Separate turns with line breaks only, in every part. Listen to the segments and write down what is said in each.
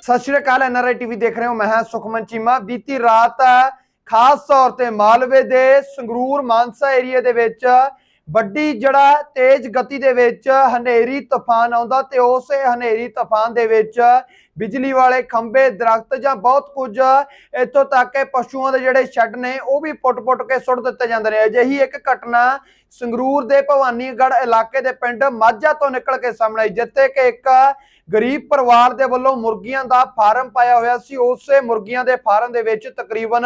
सत श्री अकाल NRI TV देख रहे हो। मैं हां सुखमन चीमा। बीती रात खास तौर ते मालवे दे संगरूर मानसा एरिया दे विच ਵੱਡੀ ਜਿਹੜਾ तेज गति ਦੇ ਵਿੱਚ ਹਨੇਰੀ ਤੂਫਾਨ ਆਉਂਦਾ ਤੇ ਉਸੇ ਹਨੇਰੀ ਤੂਫਾਨ ਦੇ ਵਿੱਚ ਬਿਜਲੀ ਵਾਲੇ ਖੰਭੇ ਦਰਖਤ ਜਾਂ ਬਹੁਤ ਕੁਝ ਇੱਥੋਂ ਤੱਕ ਕਿ ਪਸ਼ੂਆਂ ਦੇ ਜਿਹੜੇ ਸ਼ੈੱਡ ਨੇ ਉਹ ਵੀ ਪੁੱਟ-ਪੁੱਟ ਕੇ ਸੁੱਟ ਦਿੱਤੇ ਜਾਂਦੇ ਨੇ। ਅਜਿਹੀ ਇੱਕ ਘਟਨਾ ਸੰਗਰੂਰ ਦੇ ਭਵਾਨੀਗੜ੍ਹ ਇਲਾਕੇ ਦੇ ਪਿੰਡ ਮਾਝਾ ਤੋਂ ਨਿਕਲ ਕੇ ਸਾਹਮਣੇ ਆਈ, ਜਿੱਥੇ ਕਿ ਇੱਕ गरीब परिवार के वालों मुर्गियां का फार्म पाया हुआ सी। उस मुर्गियां के फार्म के विच तकरीबन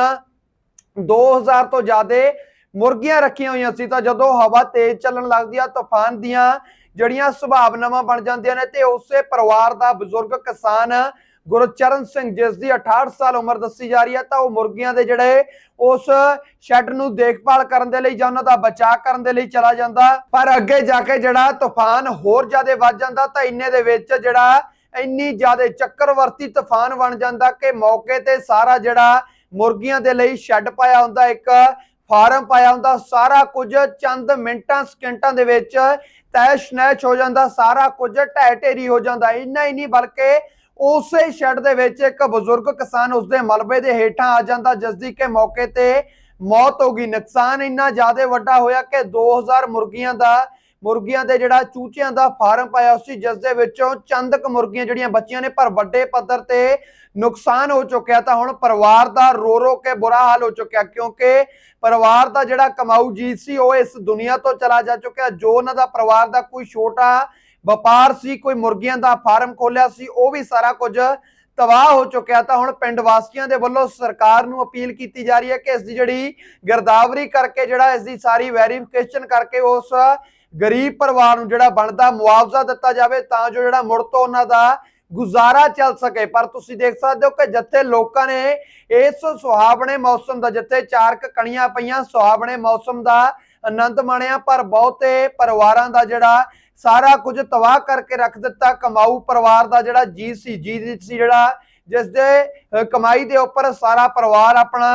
2000 तो ज्यादा मुर्गियां रखियां हुई सी। जदों हवा तेज चलन लगती है, तूफान दियां जड़ियां सुभावनावां बन जांदियां ने ते उसे परिवार का बजुर्ग किसान गुरचरण सिंह जिसकी 68 साल उम्र दसी जा रही है, तो मुर्गियां दे जिहड़े उस शैड नूं देखभाल करन दे लई जां उन्हां दा बचाव करन दे लई चला जांदा, पर अगे जाके जिहड़ा तूफान होर ज़्यादा वध जांदा तां इन्ने दे विच जिहड़ा इन्नी ज़्यादा चक्रवर्ती तूफान बन जांदा कि मौके ते सारा जिहड़ा मुर्गियां दे लई शैड पाया हुंदा, एक फार्म पाया हुंदा, सारा कुछ चंद मिंटां सकिंटां दे विच तैश नैश हो जांदा, सारा कुछ ढह ढेरी हो जांदा। इन्ना ही नहीं बल्कि उसे शैड दे विच एक बजुर्ग किसान उसके मलबे दे हेठां आ जांदा, जिसदी के मौके ते मौत हो गई। नुकसान इन्ना ज़्यादा वड्डा होया कि 2000 मुर्गियां दे जिहड़ा चूचियां दा फार्म पाया सी, जिस दे विचों चंद क मुर्गियां जिहड़ियां बच्चियां ने, पर वड्डे पद्धर ते नुकसान हो चुकिया। तां हुण परिवार दा रो रो के बुरा हाल हो चुकिया, क्योंकि परिवार दा जिहड़ा कमाऊ जी सी वो इस दुनिया तो चला जा चुकिया। जो उन्हां दा परिवार दा कोई छोटा ਵਪਾਰ ਸੀ, कोई मुर्गियां ਦਾ फार्म खोलिया सी, ਉਹ भी सारा कुछ तबाह हो चुकिया। ਤਾਂ ਹੁਣ ਪਿੰਡ ਵਾਸੀਆਂ ਦੇ ਵੱਲੋਂ ਸਰਕਾਰ ਨੂੰ ਅਪੀਲ ਕੀਤੀ ਜਾ ਰਹੀ ਹੈ ਕਿ ਇਸ ਦੀ ਜਿਹੜੀ ਗਿਰਦਾਵਰੀ ਕਰਕੇ ਜਿਹੜਾ ਇਸ ਦੀ ਸਾਰੀ ਵੈਰੀਫਿਕੇਸ਼ਨ ਕਰਕੇ ਉਸ ਗਰੀਬ ਪਰਿਵਾਰ ਨੂੰ ਜਿਹੜਾ ਬਣਦਾ ਮੁਆਵਜ਼ਾ ਦਿੱਤਾ ਜਾਵੇ, ਤਾਂ ਜੋ ਜਿਹੜਾ ਮੁੜ ਤੋਂ ਉਹਨਾਂ ਦਾ ਗੁਜ਼ਾਰਾ ਚੱਲ ਸਕੇ। ਪਰ ਤੁਸੀਂ ਦੇਖ ਸਕਦੇ ਹੋ ਕਿ ਜਿੱਥੇ ਲੋਕਾਂ ਨੇ ਇਸ ਸੁਹਾਵਣੇ ਮੌਸਮ ਦਾ, ਜਿੱਥੇ ਚਾਰਕ ਕਣੀਆਂ ਪਈਆਂ, ਸੁਹਾਵਣੇ ਮੌਸਮ ਦਾ ਆਨੰਦ ਮਾਣਿਆ, ਪਰ ਬਹੁਤੇ ਪਰਿਵਾਰਾਂ ਦਾ ਜਿਹੜਾ सारा कुछ तबाह करके रख दिता। कमाऊ परिवार का जिहड़ा जी सी जिहड़ा जिस दे कमाई दे उपर सारा परिवार अपना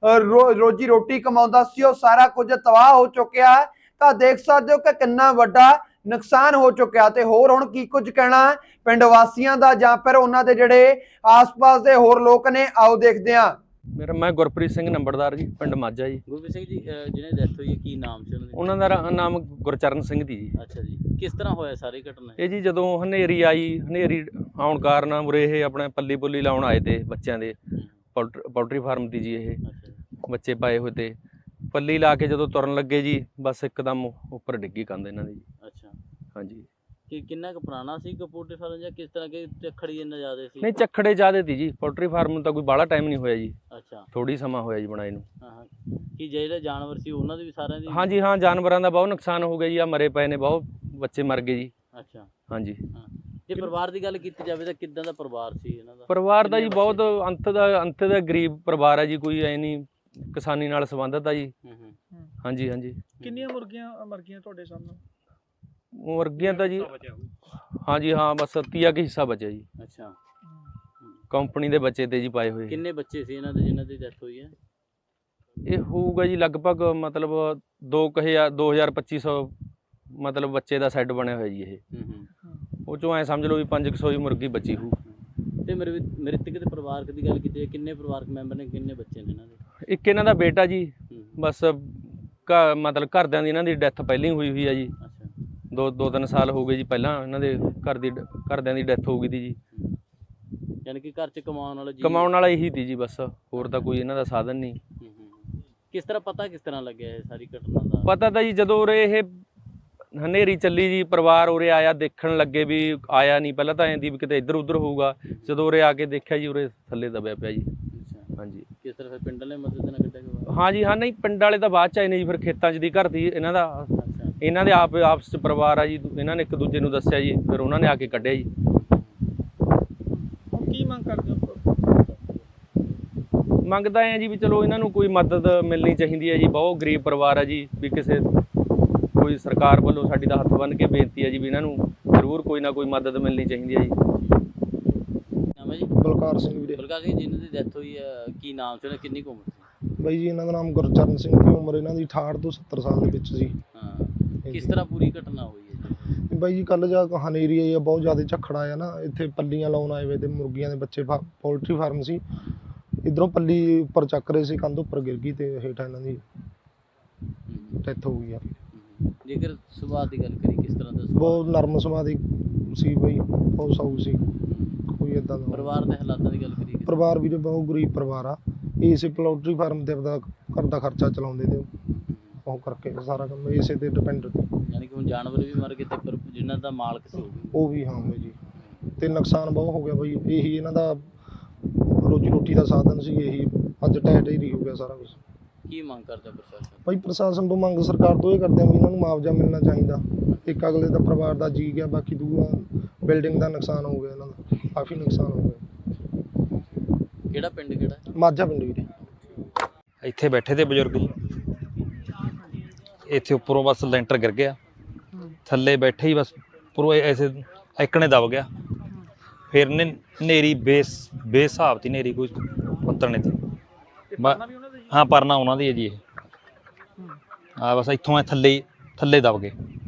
रोजी रोटी कमाउंदा सी, वो सारा कुछ तबाह हो चुकिया। तो देख सकते हो कि कितना वड्डा नुकसान हो चुकिया। ते होर हुण की कुछ कहना पिंड वासियां दा जां फिर उन्हां दे जिहड़े आस पास दे होर लोक ने, आओ देखदे हां।
मेरा मैं गुरप्रीत सिंह नंबरदार जी, पिंड माझा जी।
गुरप्रीत सिंह जी, जिन्हें डेथ हुई है की नाम से
उन्होंने दा नाम गुरचरण सिंह दी जी।
अच्छा जी, किस तरह होया सारी घटना?
ये जी जदों हनेरी आई, हनेरी आउण कारण उरे ये अपने पल्ली पुल्ली लाउण आए थे बच्चों के, पोल्ट्री फार्म दी जी। ये बच्चे पाए हुए थे, पल्ली ला के जदों तुरन लगे जी, बस एकदम उपर डिग्गी कंध इन्हां दी जी।
अच्छा
हाँ जी।
कि कितना क पुराना सी पोल्ट्री फार्म या किस तरह के चखड़ी इन्ना ज़्यादा सी?
नहीं चखड़े ज़्यादा थी जी, पोल्ट्री फार्म तो कोई बाला टाइम नहीं होया जी।
अच्छा,
थोड़ी समा होया जी बनाए नूं।
हाँ कि ਜਿਹੜੇ ਜਾਨਵਰ ਸੀ ਉਹਨਾਂ ਦੇ ਵੀ ਸਾਰਿਆਂ ਦੀ?
हाँ जी हाँ, जानवरों का बहुत नुकसान हो गया जी। आ मरे पे ने, बहुत बच्चे मर गए जी।
अच्छा
हाँ जी।
हाँ, ਜੇ ਪਰਿਵਾਰ ਦੀ ਗੱਲ ਕੀਤੀ ਜਾਵੇ ਤਾਂ ਕਿੱਦਾਂ ਦਾ ਪਰਿਵਾਰ ਸੀ ਇਹਨਾਂ ਦਾ?
ਪਰਿਵਾਰ ਦਾ ਜੀ ਬਹੁਤ ਅੰਤ ਦਾ ਗਰੀਬ ਪਰਿਵਾਰ ਹੈ ਜੀ, ਕੋਈ ਐ ਨਹੀਂ ਕਿਸਾਨੀ ਨਾਲ ਸੰਬੰਧਿਤ ਆ ਜੀ। ਹਾਂਜੀ ਹਾਂਜੀ।
ਕਿੰਨੀਆਂ ਮੁਰਗੀਆਂ ਮਰ ਗਈਆਂ ਤੁਹਾਡੇ ਸਾਹਮਣੇ?
ਮੁਰਗੀਆਂ ਤਾਂ ਜੀ ਹਾਂਜੀ ਹਾਂ, ਬਸ 30 ਕੁ ਹਿੱਸਾ ਬਚਿਆ ਜੀ।
ਅੱਛਾ,
ਕੰਪਨੀ ਦੇ ਬੱਚੇ ਤੇ ਜੀ ਪਾਏ ਹੋਏ।
ਕਿੰਨੇ ਬੱਚੇ ਸੀ ਇਹਨਾਂ ਦੇ ਜਿਨ੍ਹਾਂ ਦੀ ਡੈਥ ਹੋਈ ਹੈ?
ਇਹ ਹੋਊਗਾ ਜੀ ਲਗਭਗ ਮਤਲਬ 2500 ਮਤਲਬ ਬੱਚੇ ਦਾ ਸੈੱਟ ਬਣਿਆ ਹੋਇਆ ਜੀ। ਇਹ ਉਹ ਚੋਂ ਐ ਸਮਝ ਲਓ ਵੀ 500 ਹੀ ਮੁਰਗੀ ਬਚੀ ਹੋਊ।
ਤੇ ਮ੍ਰਿਤਕ ਦੇ ਪਰਿਵਾਰਕ ਦੀ ਗੱਲ ਕੀਤੀ, ਕਿੰਨੇ ਪਰਿਵਾਰਕ ਮੈਂਬਰ ਨੇ, ਕਿੰਨੇ ਬੱਚੇ ਨੇ ਇਹਨਾਂ ਦੇ?
ਇੱਕ ਇਹਨਾਂ ਦਾ ਬੇਟਾ ਜੀ, ਬਸ ਮਤਲਬ ਘਰਦਿਆਂ ਦੀ ਇਹਨਾਂ ਦੀ ਡੈਥ ਪਹਿਲਾਂ ਹੀ ਹੋਈ ਆ ਜੀ। ਦੋ ਤਿੰਨ ਸਾਲ ਹੋ ਗਏ ਜੀ, ਪਹਿਲਾਂ ਇਹਨਾਂ ਦੇ ਘਰਦਿਆਂ ਦੀ ਡੈਥ ਹੋ ਗਈ ਤੀ ਜੀ।
ਯਾਨੀ ਕਿ ਘਰ 'ਚ
ਕਮਾਉਣ ਵਾਲਾ ਇਹੀ ਤੀ ਜੀ, ਬਸ ਹੋਰ ਤਾਂ ਕੋਈ ਇਹਨਾਂ ਦਾ ਸਾਧਨ ਨਹੀਂ।
ਕਿਸ ਤਰ੍ਹਾਂ ਪਤਾ ਕਿਸ ਤਰ੍ਹਾਂ ਲੱਗਿਆ ਇਹ ਸਾਰੀ ਘਟਨਾ ਦਾ?
ਪਤਾ ਤਾਂ ਜੀ ਜਦੋਂ ਉਰੇ ਇਹ ਹਨੇਰੀ ਚੱਲੀ ਜੀ, ਪਰਿਵਾਰ ਉਰੇ ਆਇਆ, ਦੇਖਣ ਲੱਗੇ ਵੀ ਆਇਆ ਨਹੀਂ, ਪਹਿਲਾਂ ਤਾਂ ਐਂ ਦੀ ਵੀ ਕਿਤੇ ਇੱਧਰ ਉੱਧਰ ਹੋਊਗਾ। ਜਦੋਂ ਉਰੇ ਆ ਕੇ ਦੇਖਿਆ ਜੀ, ਉਰੇ ਥੱਲੇ ਦਬਿਆ ਪਿਆ ਜੀ। ਹਾਂਜੀ।
ਕਿਸ ਤਰ੍ਹਾਂ ਫਿਰ ਪਿੰਡ ਵਾਲੇ ਮਦਦ ਨਾਲ ਕੱਢਿਆ ਗਿਆ?
ਹਾਂ ਜੀ ਹਾਂ। ਨਹੀਂ ਪਿੰਡ ਵਾਲੇ ਤਾਂ ਬਾਅਦ ਚ ਆਏ ਨੇ ਜੀ, ਫਿਰ ਖੇਤਾਂ 'ਚ ਦੀ ਘਰ ਦੀ ਇਹਨਾਂ ਦਾ, ਇਹਨਾਂ ਦੇ ਆਪਸ 'ਚ ਪਰਿਵਾਰ ਆ ਜੀ, ਇਹਨਾਂ ਨੇ ਇੱਕ ਦੂਜੇ ਨੂੰ ਦੱਸਿਆ ਜੀ, ਫਿਰ ਉਹਨਾਂ ਨੇ ਆ ਕੇ ਕੱਢਿਆ ਜੀ।
ਕੀ ਮੰਗ ਕਰਦੇ ਹੋ?
ਮੰਗਦਾ ਹੈ ਜੀ ਵੀ ਚਲੋ ਇਹਨਾਂ ਨੂੰ ਕੋਈ ਮਦਦ ਮਿਲਣੀ ਚਾਹੀਦੀ ਹੈ ਜੀ। ਬਹੁਤ ਗਰੀਬ ਪਰਿਵਾਰ ਹੈ ਜੀ, ਵੀ ਕੋਈ ਸਰਕਾਰ ਵੱਲੋਂ ਸਾਡੀ ਦਾ ਹੱਥ ਬੰਨ੍ਹ ਕੇ ਬੇਨਤੀ ਹੈ ਜੀ ਵੀ ਇਹਨਾਂ ਨੂੰ ਜ਼ਰੂਰ ਕੋਈ ਨਾ ਕੋਈ ਮਦਦ ਮਿਲਣੀ ਚਾਹੀਦੀ ਹੈ ਜੀ।
ਨਾਮ ਹੈ ਜੀ?
ਬਲਕਾਰ ਸਿੰਘ ਵੀਰੇ।
ਬਲਕਾਰ ਸਿੰਘ, ਜਿਨ੍ਹਾਂ ਦੀ ਡੈਥ ਹੋਈ ਹੈ ਕੀ ਨਾਮ ਸੀ, ਕਿੰਨੀ ਕੁ ਉਮਰ ਸੀ?
ਬਾਈ ਜੀ ਇਹਨਾਂ ਦਾ ਨਾਮ ਗੁਰਚਰਨ ਸਿੰਘ ਦੀ ਉਮਰ ਇਹਨਾਂ ਦੀ 68 ਤੋਂ 70 ਸਾਲ ਦੇ ਵਿੱਚ ਸੀ।
ਹਾਂ, ਕਿਸ ਤਰ੍ਹਾਂ ਪੂਰੀ ਘਟਨਾ ਹੋਈ ਹੈ ਜੀ?
ਬਾਈ ਜੀ ਕੱਲ ਜਾ ਹਨੇਰੀ ਆਈ ਆ, ਬਹੁਤ ਜ਼ਿਆਦਾ ਝੱਖੜ ਆਇਆ ਨਾ, ਇੱਥੇ ਪੱਲੀਆਂ ਲਾਉਣ ਆਏ ਵੇ ਤੇ ਮੁਰਗੀਆਂ ਦੇ ਬੱਚੇ ਪੋਲਟਰੀ ਫਾਰਮ ਸੀ, ਇਧਰੋਂ ਪੱਲੀ ਉੱਪਰ ਚੱਕ ਰਹੇ ਸੀ, ਕੰਧ ਉੱਪਰ ਗਿਰ ਗਈ ਤੇ ਹੇਠਾਂ ਇਹਨਾਂ ਦੀ ਡੈਥ ਹੋ ਗਈ ਆ।
ਜੇਕਰ ਸੁਭਾਅ ਦੀ ਗੱਲ ਕਰੀ ਕਿਸ ਤਰ੍ਹਾਂ ਦਾ ਸੁਭਾਅ?
ਬਹੁਤ ਨਰਮ ਸੁਭਾਅ ਦੀ ਸੀ ਬਈ, ਬਹੁਤ ਸਾਊ ਸੀ, ਕੋਈ ਏਦਾਂ ਦਾ
ਪਰਿਵਾਰ ਦੇ ਹਾਲਾਤਾਂ ਦੀ ਗੱਲ ਕਰੀ
ਪਰਿਵਾਰ ਵੀ ਬਹੁਤ ਗਰੀਬ ਪਰਿਵਾਰ ਆ, ਇਸੇ ਪੋਲਟਰੀ ਫਾਰਮ ਤੇ ਆਪਦਾ ਘਰ ਦਾ ਖਰਚਾ ਚਲਾਉਂਦੇ ਤੇ ਉਹ ਕਰਕੇ ਸਾਰਾ ਕੰਮ ਇਸੇ ਤੇ ਡਿਪੈਂਡ ਤੇ।
ਯਾਨੀ ਕਿ ਹੁਣ ਜਾਨਵਰ ਵੀ ਮਰ ਗਏ ਤੇ ਜਿਨ੍ਹਾਂ ਦਾ ਮਾਲਕ ਸੀ
ਉਹ ਵੀ ਹਾਂ ਬਾਈ ਜੀ, ਤੇ ਨੁਕਸਾਨ ਬਹੁਤ ਹੋ ਗਿਆ ਬਾਈ, ਇਹੀ ਇਹਨਾਂ ਦਾ ਰੋਜੀ ਰੋਟੀ ਦਾ ਸਾਧਨ ਸੀ, ਇਹੀ ਅੱਜ ਢਹਿ ਢੇਰੀ ਹੋ ਗਿਆ ਸਾਰਾ ਕੁਝ।
ਕੀ ਮੰਗ ਕਰਦਾ ਪ੍ਰਸ਼ਾਸਨ?
ਭਾਈ ਪ੍ਰਸ਼ਾਸਨ ਤੋਂ ਮੰਗ ਸਰਕਾਰ ਤੋਂ ਇਹ ਕਰਦੇ ਆ ਵੀ ਇਹਨਾਂ ਨੂੰ ਮੁਆਵਜ਼ਾ ਮਿਲਣਾ ਚਾਹੀਦਾ, ਇੱਕ ਅਗਲੇ ਦਾ ਪਰਿਵਾਰ ਦਾ ਜੀ ਗਿਆ, ਬਾਕੀ ਦੂਆ ਬਿਲਡਿੰਗ ਦਾ ਨੁਕਸਾਨ ਹੋ ਗਿਆ, ਇਹਨਾਂ ਦਾ ਕਾਫੀ ਨੁਕਸਾਨ ਹੋ ਗਿਆ।
ਕਿਹੜਾ ਪਿੰਡ ਕਿਹੜਾ?
ਮਾਝਾ ਪਿੰਡ ਵੀਰੇ।
ਇੱਥੇ ਬੈਠੇ ਤੇ ਬਜ਼ੁਰਗ ਜੀ, ਇੱਥੇ ਉੱਪਰੋਂ ਬਸ ਲੈਂਟਰ ਗਿਰ ਗਿਆ, ਥੱਲੇ ਬੈਠੇ ਹੀ ਬਸ ਉੱਪਰੋਂ ਐਸੇ ਇੱਕਣੇ ਦਬ ਗਿਆ, ਫਿਰ ਨੇ ਨੇਰੀ ਬੇਹਿਸਾਬ ਤੀ ਨੇਰੀ, ਕੋਈ ਪੱਤਰ ਨਹੀਂ ਤੀ। ਹਾਂ ਪਰਨਾ ਉਹਨਾਂ ਦੀ ਹੈ ਜੀ ਇਹ, ਆ ਬਸ ਇੱਥੋਂ ਥੱਲੇ ਦਬ ਗਏ।